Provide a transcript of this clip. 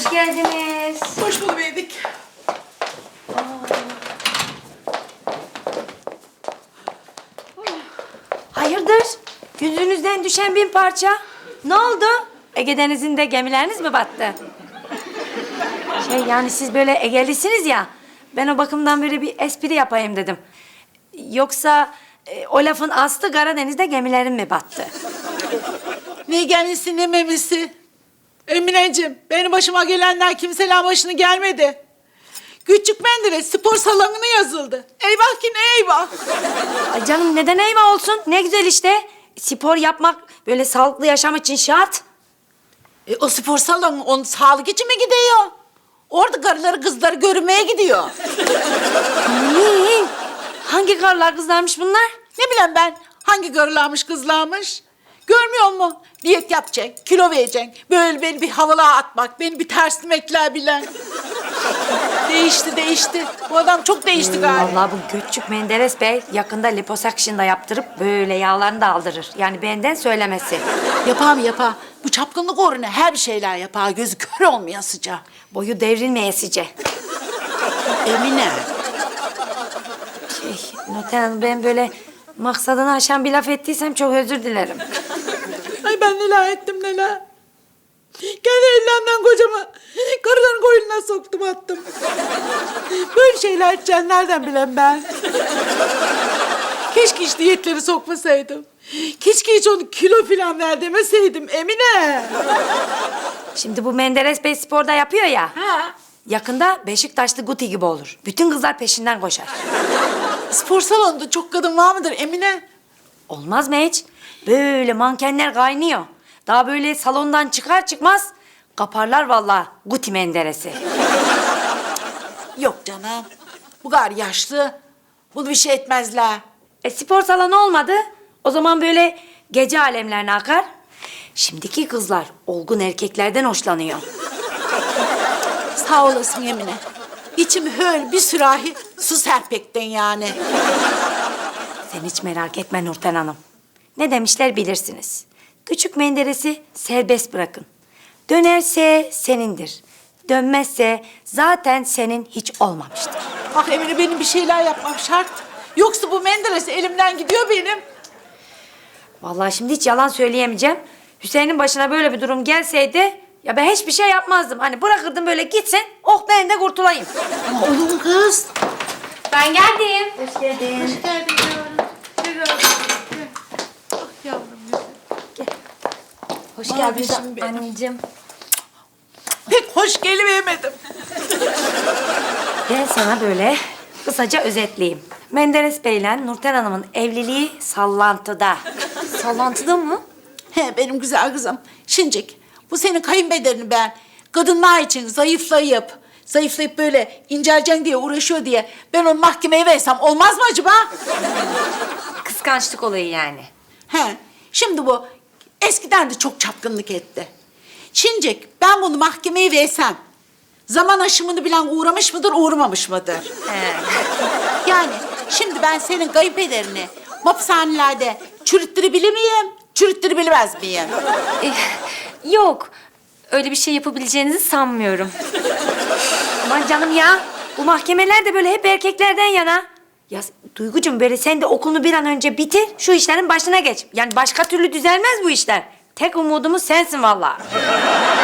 Hoş geldiniz. Hoş bulduk. Hayırdır? Yüzünüzden düşen bin parça. Ne oldu? Ege Denizi'nde gemileriniz mi battı? Yani siz böyle Ege'lisiniz ya. Ben o bakımdan böyle bir espri yapayım dedim. Yoksa o lafın aslı Karadeniz'de gemilerin mi battı? Ne gemisi ne memesi. Emineciğim, benim başıma gelenler kimseler başına gelmedi. Küçük Menderes spor salonuna yazıldı. Eyvah ki ne eyvah. Ay canım neden eyvah olsun? Ne güzel işte. Spor yapmak böyle sağlıklı yaşam için şart. O spor salonu onun sağlık için mi gidiyor? Orada karıları kızları görmeye gidiyor. Amin. Hangi karılar kızlarmış bunlar? Ne bileyim ben hangi karılarmış kızlarmış? Görmüyor musun? Diyet yapacaksın, kilo vereceksin. Böyle beni bir havalığa atmak, beni bir terslemekler bilen. Değişti. Bu adam çok değişti galiba. Vallahi bu Göçük Menderes Bey yakında liposuction da yaptırıp böyle yağlarını da aldırır. Yani benden söylemesi. Yapar. Bu çapkınlık uğruna her bir şeyler yapar. Gözü kör olmayasıca. Boyu devrilmeyesice. Emine. Nurten Hanım ben böyle maksadını aşan bir laf ettiysem çok özür dilerim. Ay ben neler ettim neler. Kendi ellerimden kocamı karıların koynuna soktum attım. Böyle şeyler edeceğim nereden bileyim ben. Keşke hiç diyetleri sokmasaydım. Keşke hiç onu kilo falan ver demeseydim Emine. Şimdi bu Menderes Bey sporda yapıyor ya. Ha. Yakında Beşiktaşlı Guti gibi olur. Bütün kızlar peşinden koşar. Spor salonunda çok kadın var mıdır Emine? Olmaz mı hiç? Böyle mankenler kaynıyor. Daha böyle salondan çıkar çıkmaz kaparlar vallahi Guti Menderes'i. Yok canım. Bu kadar yaşlı. Bunu bir şey etmezler. Spor salonu olmadı. O zaman böyle gece alemlerine akar. Şimdiki kızlar olgun erkeklerden hoşlanıyor. Sağ olasın Emine. İçim höl bir sürahi su serpekten yani. Sen hiç merak etme Nurten Hanım. Ne demişler bilirsiniz. Küçük Menderes'i serbest bırakın. Dönerse senindir. Dönmezse zaten senin hiç olmamıştır. Ah Emine benim bir şeyler yapmam şart. Yoksa bu Menderes elimden gidiyor benim. Vallahi şimdi hiç yalan söyleyemeyeceğim. Hüseyin'in başına böyle bir durum gelseydi ya ben hiçbir şey yapmazdım. Hani bırakırdım böyle gitsin, oh ben de kurtulayım. Ama oğlum kız. Ben geldim. Hoş geldin. Hoş geldin yavrum. Gel yavrum. Gel. Ah yavrum güzel. Hoş Mavişim benim. anneciğim. Pek hoş gelivemedim. Ben sana böyle kısaca özetleyeyim. Menderes Bey'le Nurten Hanım'ın evliliği sallantıda. Sallantıda mı? He benim güzel kızım. Şincik bu senin kayınbederini ben kadınlar için zayıflayıp böyle inceleceksin diye uğraşıyor diye ben onu mahkemeye versem olmaz mı acaba? Kıskançlık olayı yani. He şimdi bu eskiden de çok çapkınlık etti. Şincik ben bunu mahkemeye versem zaman aşımını bilen uğramış mıdır uğramamış mıdır? He. Yani şimdi ben senin kayınpederini hapishanelerde çürüttürebilir miyim? Çürüttürebilmez miyim? Yok. Öyle bir şey yapabileceğinizi sanmıyorum. Aman canım ya. Bu mahkemeler de böyle hep erkeklerden yana. Ya Duygucuğum böyle sen de okulunu bir an önce bitir. Şu işlerin başına geç. Yani başka türlü düzelmez bu işler. Tek umudumuz sensin vallahi.